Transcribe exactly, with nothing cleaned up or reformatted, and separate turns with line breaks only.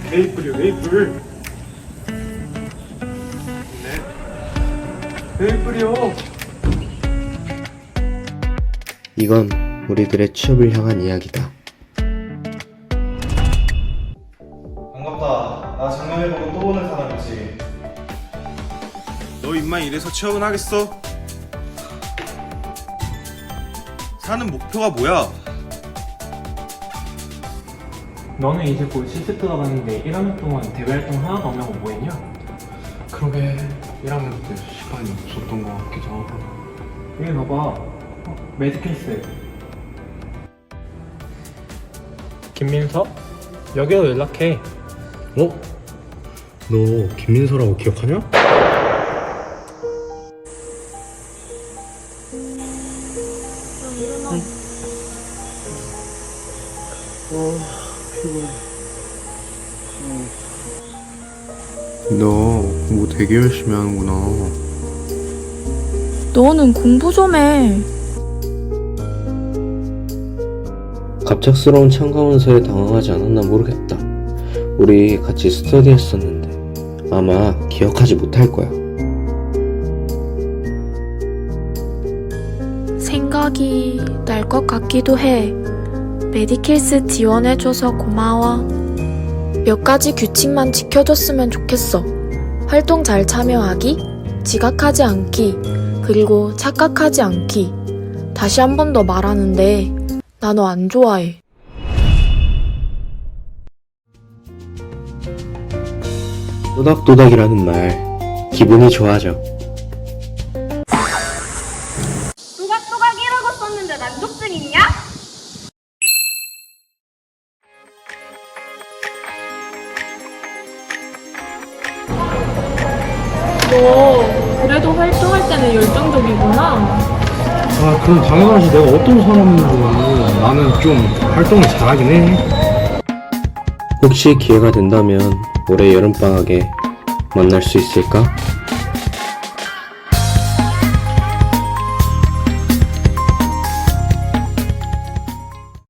메이플이요, 메이플. 네. 메이플이요.
이건 우리들의 취업을 향한 이야기다.
반갑다. 나 작년에 보고 또 오는 사람이지.
너 임마 이래서 취업은 하겠어? 사는 목표가 뭐야?
너는 이제 곧 실습 들어가는데 일 학년 동안 대외 활동 하나도 안 하고 뭐 했냐?
그러게 일 학년 때 시간이 없었던 것 같기도 하고.
여기 봐봐. 어, 매드케이스. 김민서? 여기로 연락해.
어? 너 김민서라고 기억하냐?
너 뭐 되게 열심히 하는구나.
너는 공부 좀 해.
갑작스러운 참가원서에 당황하지 않았나 모르겠다. 우리 같이 스터디 했었는데 아마 기억하지 못할 거야.
생각이 날 것 같기도 해. 메디킬스 지원해줘서 고마워. 몇 가지 규칙만 지켜줬으면 좋겠어. 활동 잘 참여하기, 지각하지 않기, 그리고 착각하지 않기. 다시 한 번 더 말하는데 나 너 안 좋아해.
또닥또닥이라는 말 기분이 좋아져.
또각또각이라고 썼는데 난독증 있냐?
너 그래도 활동할 때는 열정적이구나.
아 그럼 당연하지. 내가 어떤 사람인지. 나는 좀 활동을 잘하긴 해.
혹시 기회가 된다면 올해 여름방학에 만날 수 있을까?